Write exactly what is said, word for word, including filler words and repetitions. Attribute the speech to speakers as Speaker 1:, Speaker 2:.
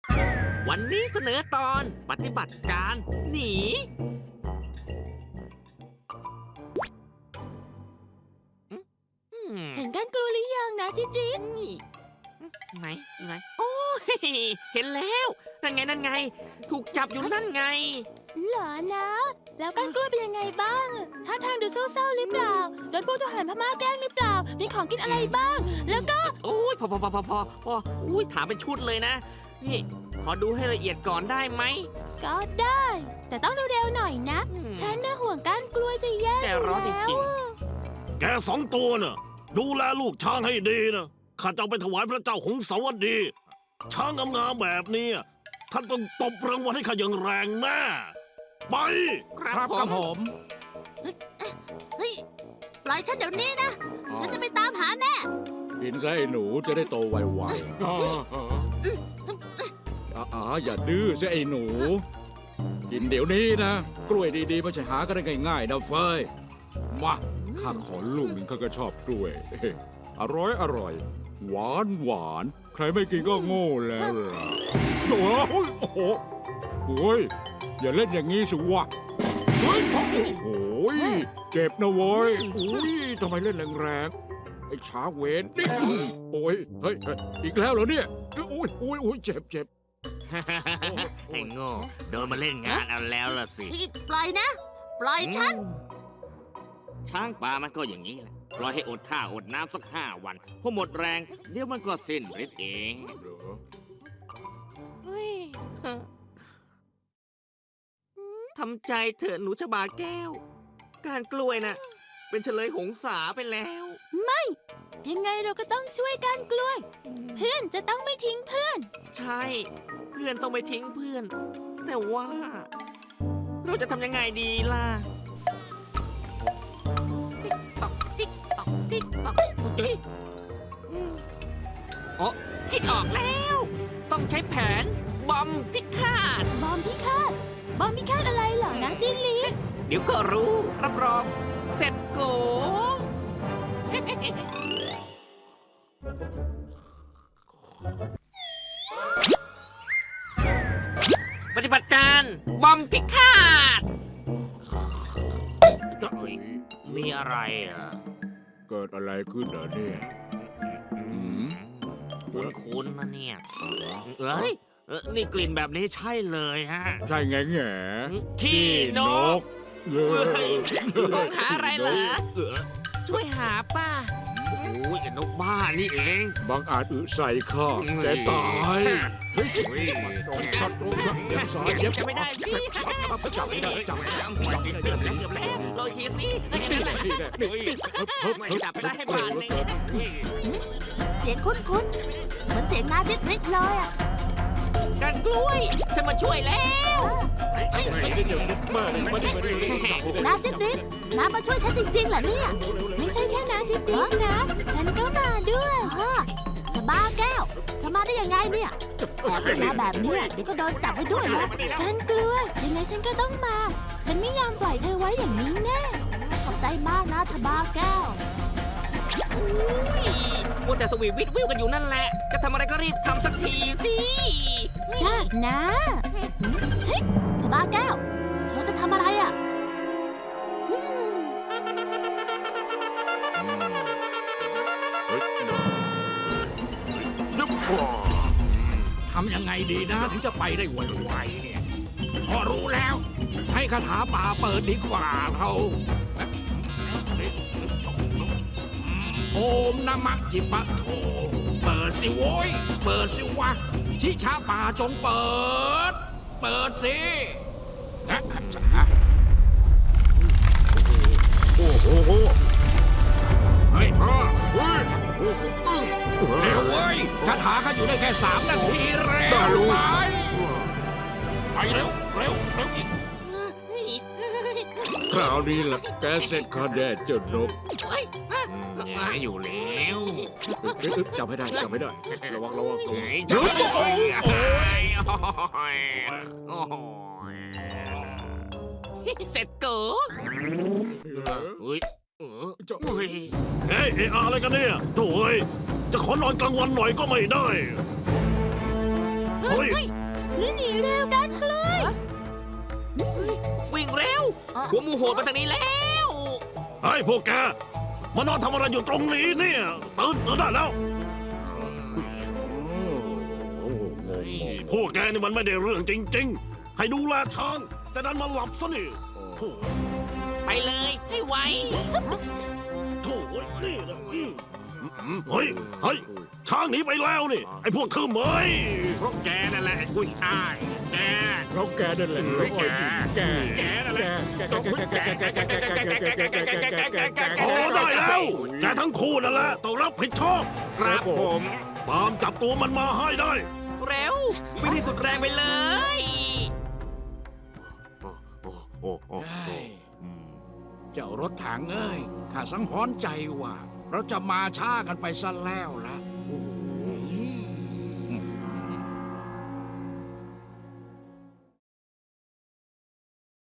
Speaker 1: วันนี้เสนอตอนปฏิบัติการหนี
Speaker 2: เห็นกันกลัวหรือยังนะจิตริก
Speaker 1: ไหนไหนโอ้ยเห็นแล้วนั่นไงนั่นไงถูกจับอยู่นั่นไง
Speaker 2: เหรอนะแล้วกันกลัวเป็นยังไงบ้างท่าทางดูเศร้าๆหรือเปล่าโดนพวกทหารพม่าแกล้งหรือเปล่ามีของกินอะไรบ้างแล้วก็
Speaker 1: โอ้ยพอพอพอพอพอพออุ้ยถามเป็นชุดเลยนะนี่ขอดูให้ละเอียดก่อนได้ไหม
Speaker 2: ก็ได้แต่ต้องเร็วๆหน่อยนะฉันน่ะห่วงกันกลัวจะแย่แล้ว
Speaker 3: แกสองตัวน่ะดูแลลูกช้างให้ดีนะข้าจะเอาไปถวายพระเจ้าหงสาวดี ช้างงามๆแบบนี้ท่านต้องตบรางวัลให้ข้าอย่างแรงแน่ไป
Speaker 1: ครับผม
Speaker 2: เฮ้ยปล่อยฉันเดี๋ยวนี้นะฉันจะไปตามหาแม่
Speaker 4: กินซะไอ้หนูจะได้โตไวๆอ๋ออย่าดื้อซะไอ้หนูกินเดี๋ยวนี้นะกล้วยดีๆไม่ใช่หากันได้ง่ายๆนะเฟยมาข้าขอลูกหนึ่งข้าก็ชอบกล้วยอร่อยอร่อยหวานหวานใครไม่กินก็โง่แล้วล่ะโอ้ยโอ้โหโอ้ยอย่าเล่นอย่างนี้สิวะเฮ้ยโอ้โหเจ็บนะเว้ยอุ้ยทำไมเล่นแรงๆไอ้ช้าเวนนี่โอ้ยเฮ้ยอีกแล้วเหรอเนี่ยโอ้ยโอ้ยโอ้ยเจ็บเจ็บ
Speaker 1: ไอ้โง่โดนมาเล่นงานเอาแล้วล่ะสิ
Speaker 2: ปล่อยนะปล่อยฉัน
Speaker 1: ช้างป่ามันก็อย่างนี้แหละปล่อยให้อดข้าวอดน้ำสักห้าวันพอหมดแรงเดี๋ยวมันก็สิ้นฤทธิ์เองทำใจเถอะหนูชบาแก้วการกล้วยน่ะเป็นเฉลยหงสาไปแล้ว
Speaker 2: ไม่ยังไงเราก็ต้องช่วยกันกล้วยเพื่อนจะต้องไม่ทิ้งเพื่อน
Speaker 1: ใช่เพื่อนต้องไม่ทิ้งเพื่อนแต่ว่าเราจะทำยังไงดีล่ะติ๊กตอกติ๊กตอกติ๊กตอกเอ๊ะอ๋อคิดออกแล้วต้องใช้แผนบอมพิฆาต
Speaker 2: บอมพิฆาตบอมพิฆาตอะไรเหรอนะจิลี
Speaker 1: เดี๋ยวก็รู้รับรองเสร็จโกปฏิบัติการบอมพิฆาตมีอะไรอ่ะ
Speaker 4: เกิดอะไรขึ้นเหรอเนี่ย
Speaker 1: คุ้นๆนะเนี่ยเอ้ยเออนี่กลิ่นแบบนี้ใช่เลยฮะ
Speaker 4: ใช่ไงแง่
Speaker 1: ขี้นกมองหาอะไรเหรอช่วยหาป้าโอ้ยนกบ้านี่เอง
Speaker 4: บางอาจอึใส่ข้าแกตายเฮ้ยสิจับตรงขัดตรงขัดเย็บสายเย็บ
Speaker 1: จะไม่ได้สิ
Speaker 4: จับจับไม่ได้จับไม่ได้
Speaker 1: เกือบแล้วเกือบแล้วลอยทีสินี่แหละไม่จับได้ให้บาดเลย
Speaker 2: เสียงคุ้นๆเหมือนเสียงนาจิตริกเลยอ่ะ
Speaker 1: การกล้วยฉันมาช่วยแล้ว
Speaker 2: นาจิตริกน้ามาช่วยฉันจริงๆเหรอเนี่ยไม่ใช่แค่นาจิตริกนะฉันก็มาด้วยจะบ้าแก้วเธอมาได้ยังไงเนี่ยแอบมาแบบนี้เดี๋ยวก็โดนจับไปด้วยนะการกล้วยยังไงฉันก็ต้องมาฉันไม่ยอมปล่อยเธอไว้อย่างนี้แน่ขอบใจมากนะชบาแก้ว
Speaker 1: มัวแต่สวีทวิทวิวกันอยู่นั่นแหละจะทำอะไรก็รีบทำสักทีสิ
Speaker 2: จ้านะเฮ้ยชบาแก้วเธอจะทำอะไรอ่ะ
Speaker 3: จุ๊บทำยังไงดีนะถึงจะไปได้ไวๆเนี่ยพอรู้แล้วให้คาถาป่าเปิดดีกว่าเราโอมนามะจิปะโถเปิดสิโว้ยเปิดสิวะชิชาป่าจงเปิดเปิดสินะจ๊ะโอ้โหเฮ้ยพ่อเฮ้ยเร็วเว้ยคาถาข้าอยู่ได้แค่สามนาทีเร็วไปไปเร็วเร็วเร็วอีก
Speaker 4: คราวนี้ล่ะแกเสร็จข้าแน่เจ้านก
Speaker 1: หายอยู่แล้ว
Speaker 4: จับให้ได้จับให้ได้ระวังระวังตรง
Speaker 1: เดี๋ยวจอยเสร็จเก๋อเฮ้ย
Speaker 3: เฮ้ยเออะไรกันเนี่ยโถ่จะขอนอนกลางวันหน่อยก็ไม่ได้
Speaker 5: เฮ้ย
Speaker 2: นี่หนีเร็วกันกล้วย
Speaker 1: วิ่งเร็ว หัวหมูโหดมาทางนี้แล้ว
Speaker 5: ไอ้พวกแกมานอนทำอะไรอยู่ตรงนี้เนี่ยตื่นตื่นได้แล้ว พวกแกนี่มันไม่ได้เรื่องจริง ๆ ให้ดูแลทาง แต่ดันมาหลับซะนี่โถ่
Speaker 1: ไปเลยให้ไว
Speaker 5: โถ่นี่นะเฮ้ยเฮ้ยช้างหนีไปแล้วนี่ ไอ้พวกเธอเหมย
Speaker 3: เพราะแกนั่นแหละไอ้กุ้ยอ้ายแก
Speaker 4: เราแกนั่นแหละ
Speaker 3: เฮ้ยแก
Speaker 4: แก
Speaker 3: แกนั่นแหละ
Speaker 5: โอ้ได้แล้วแกทั้งคู่นั่นแหละต้องรับผิดชอบ
Speaker 3: ครับผม
Speaker 5: ตามจับตัวมันมาให้ได้
Speaker 1: เร็ววิ่งที่สุดแรงไปเลย
Speaker 4: เจ้ารถถังเอ้ยข้าสังหรณ์ใจว่า เราจะมาช้ากันไปซะแล้วละ